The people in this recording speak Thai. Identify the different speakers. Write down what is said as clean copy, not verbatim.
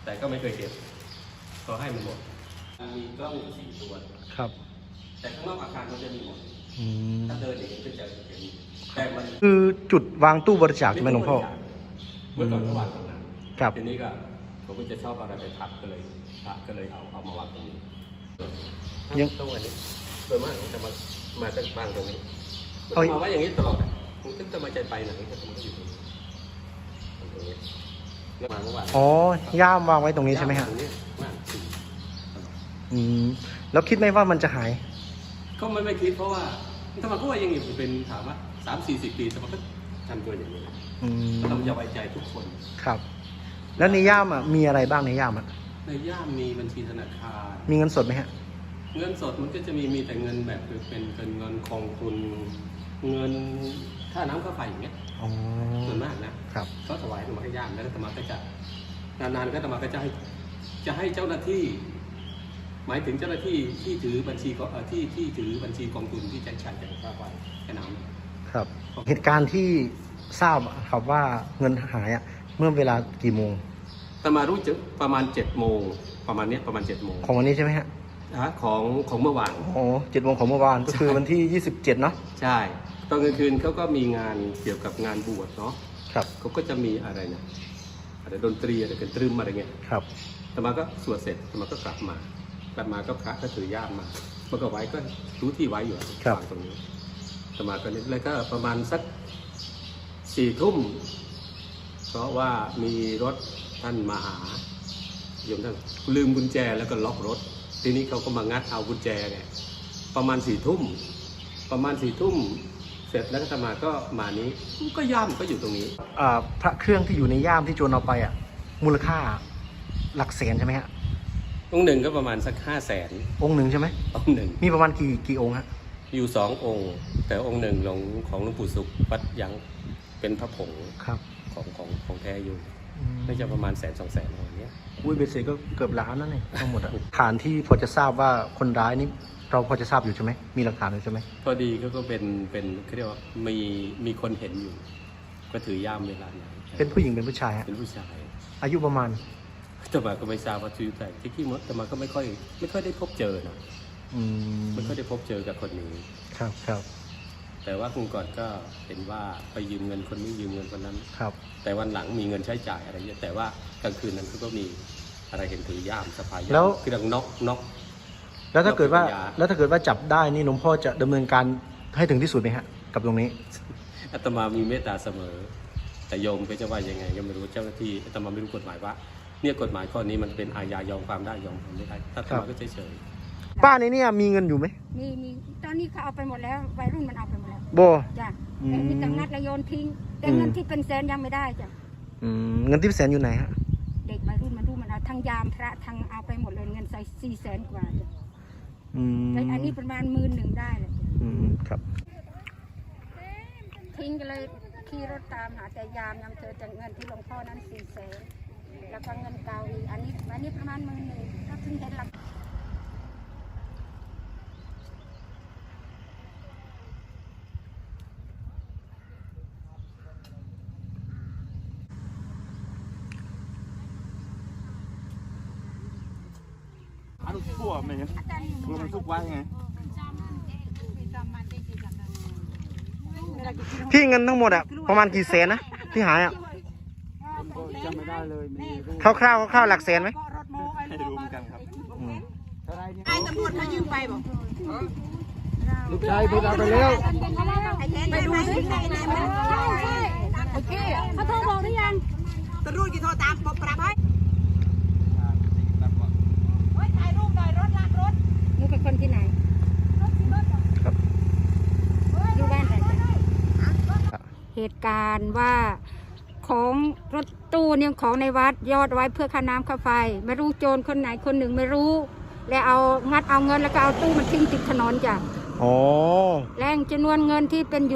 Speaker 1: แต่ก็ไม่เคยเก็บก็ให้มันหมดมีกล้องอยู่4 ตัว
Speaker 2: ครับ
Speaker 1: แต่ข้างนอกอาคารมันจะมีหมดถ้าเดินอย่างนี้ก็จะเห็นแต่มัน
Speaker 2: คือจุดวางตู้บริจาคใช่ไหมหลวงพ่อ
Speaker 1: เมื่อก่อนก็วางตรงนั้น
Speaker 2: ครับ
Speaker 1: ทีนี้ก็ผมก็จะชอบอะไรไปทับก็เลยเอามาวางตรงนี้ยังตู้อันนี้โดยมากผมจะมาตั้งวางตรงนี้มาไว้อย่างนี้ตลอดผมจะมาใจไปไหนก็ต้องอยู่ตรงนี้แล้วมาเมื่อวาน
Speaker 2: อ๋อย่ามวางไว้ตรงนี้ใช่ไหมฮะแล้วคิดไหมว่ามันจะหาย
Speaker 1: ก็ไม่คิดเพราะว่าธรรมะก็ว่ายังอยู่เป็นถามว่า30-40 ปีธรรมะก็ทำตัวอย่างนี้เราจะไว้ใจทุกคน
Speaker 2: ครับแล้วในย่ามมีอะไรบ้างในย่าม
Speaker 1: ในย่ามมีบัญชีธนาคาร
Speaker 2: มีเงินสดไหมฮะ
Speaker 1: เงินสดมันก็จะมีแต่เงินแบบเป็นเงินกองทุนเงินค่าน้ำค่าไฟอย่างเงี้ยส่วนมากนะครับก็ถวายธรรมะให้ย่ามแล้วธรรมะก็จะนานๆก็ธรรมะก็จะให้เจ้าหน้าที่หมายถึงเจ้าหน้าที่ที่ถือบัญชีที่ถือบัญชีกองทุนที่ใช้จ่ายค่าไฟค่าน้ำ
Speaker 2: ครับเหตุการณ์ที่ทราบครับว่าเงินหายเมื่อเวลากี่โมง
Speaker 1: แต่มารู้จักประมาณ7 โมงประมาณประมาณ7 โมง
Speaker 2: ของวันนี้ใช่ไหมฮะ
Speaker 1: ของเมื่อวาน
Speaker 2: 7 โมงของเมื่อวานก็คือวันที่27เนาะ
Speaker 1: ใช่ตอนกลางคืนเขาก็มีงานเกี่ยวกับงานบวชเนาะ
Speaker 2: ครับ
Speaker 1: เขาก็จะมีอะไรนะอะไรดนตรีอะไรกันตรึมอะไรเงี้ย
Speaker 2: ครับ
Speaker 1: แต่มาก็สวดเสร็จแต่มาก็กลับมาก็พระก็ถือย่ามมาเมื่อก็ไว้ก็รู้ที่ไว้อยู่วางตรงนี้แต่มาก็แล้วก็ประมาณสัก4 ทุ่มเพราะว่ามีรถท่านมาหาโยมท่านลืมกุญแจแล้วก็ล็อกรถทีนี้เขาก็มางัดเอากุญแจไงประมาณ4 ทุ่มเสร็จแล้วก็มาก็มานี้ก็ย่ามก็อยู่ตรงนี้
Speaker 2: พระเครื่องที่อยู่ในย่ามที่โจรเอาไปมูลค่าหลักแสนใช่ไหมฮะ
Speaker 1: องค์หนึ่งก็ประมาณสัก500,000
Speaker 2: องค์หนึ่งใช่ไหม
Speaker 1: องค์หนึ่ง
Speaker 2: มีประมาณกี่องค์ฮะ
Speaker 1: อยู่2 องค์แต่องค์หนึ่งของหลวงปู่สุขวัดยังเป็นพระผง
Speaker 2: ครับ
Speaker 1: ของแท้อยู่น่าจะประมาณ100,000-200,000อย่างเงี้ย
Speaker 2: เบสเซก็เกือบล้านนั่นเองทั้งหมดฐานที่พอจะทราบว่าคนร้ายนี่เราพอจะทราบอยู่ใช่ไหมมีหลักฐานอยู่ใช่ไหม
Speaker 1: พอดีก็เป็นเขาเรียกว่ามีคนเห็นอยู่ก็ถือย่ามเวลาไหน
Speaker 2: เป็นผู้หญิงเป็นผู้ชายฮะ
Speaker 1: เป็นผู้ชาย
Speaker 2: อายุประมาณ
Speaker 1: แต่มาก็ไม่ทราบว่าชื่อแต่ที่มดแต่มาก็ไม่ค่อยได้พบเจอนะไม่ค่อยได้พบเจอกับคนนี้
Speaker 2: ครับ
Speaker 1: แต่ว่าคุณก่อนก็เห็นว่าไปยืมเงินคนนี้ยืมเงินคนนั้น
Speaker 2: ครับ
Speaker 1: แต่วันหลังมีเงินใช้จ่ายอะไรเยอะแต่ว่ากลางคืนนั้นก็มีอะไรเห็นถือย่ามสะพายย่ามคือดังน็อก
Speaker 2: แล้วถ้าเกิดว่าจับได้นี่หลวงพ่อจะดำเนินการให้ถึงที่สุดไหมฮะกับตรงนี้
Speaker 1: อาตมามีเมตตาเสมอแต่โยมก็จะว่ายังไงก็ไม่รู้เจ้าหน้าที่อาตมาไม่รู้กฎหมายว่าเนี่ยกฎหมายข้อนี้มันเป็นอาญายอมความได้ยอมความไม่ได้ถ้าอาตมาก็เฉย
Speaker 2: ป้าในนี่มีเงินอยู่ไหม
Speaker 3: มีตอนนี้เขาเอาไปหมดแล้ววัยรุ่นมันเอาไปหมดแล้ว
Speaker 2: โบ
Speaker 3: จ้ะแต่มีตังนัดระโยนทิ้งแต่เงินที่เป็นแสนยังไม่ได้จ้ะ
Speaker 2: เงินที่เป็นแสนอยู่ไหนฮะ
Speaker 3: เด็กวัยรุ่นมันเอาทั้งยามพระทั้งเอาไปหมดเลยเงินใส่400,000 กว่าจ้ะอันนี้ประมาณ11,000ได้เลย
Speaker 2: ครับ
Speaker 3: ทิ้งกันเลยขี่รถตามหาแต่ยามยังเจอแต่เงินที่หลวงพ่อนั้น400,000แล้วก็เงินเก่าอีกอันนี้ประมาณ11,000ถ้าถึงเห็นหลัก
Speaker 4: ทั่วไหมครับรวมทุกวันไง
Speaker 2: พี่เงินทั้งหมดประมาณกี่แสนนะที่หาย
Speaker 4: จำไม่ได้เลย
Speaker 2: คร่าวๆหลักแสนไหม
Speaker 4: ให้รู้เหมือนกันครับ
Speaker 3: ไอ้ตำรวจมายืมไปบอก
Speaker 2: ลูกชายพูดเอาไปแล้ว
Speaker 3: ไปดูสิโอเคเขาโทรบอกหรือยังตำรวจกี่โทรตามปรับให้ถ่ายรูปหน่อยรถลากรถมึงเป็นคนที่ไหน
Speaker 2: ครับ
Speaker 3: อยู่บ้านอะไรเหตุการณ์ว่าของรถตู้เนี่ยของในวัดยอดไว้เพื่อค่าน้ำค่าไฟไม่รู้โจรคนไหนคนหนึ่งไม่รู้แล้วเอางัดเอาเงินแล้วก็เอาตู้มาทิ้งติดถนนจ้ะ
Speaker 2: อ๋อ
Speaker 3: แรงจำนวนเงินที่เป็น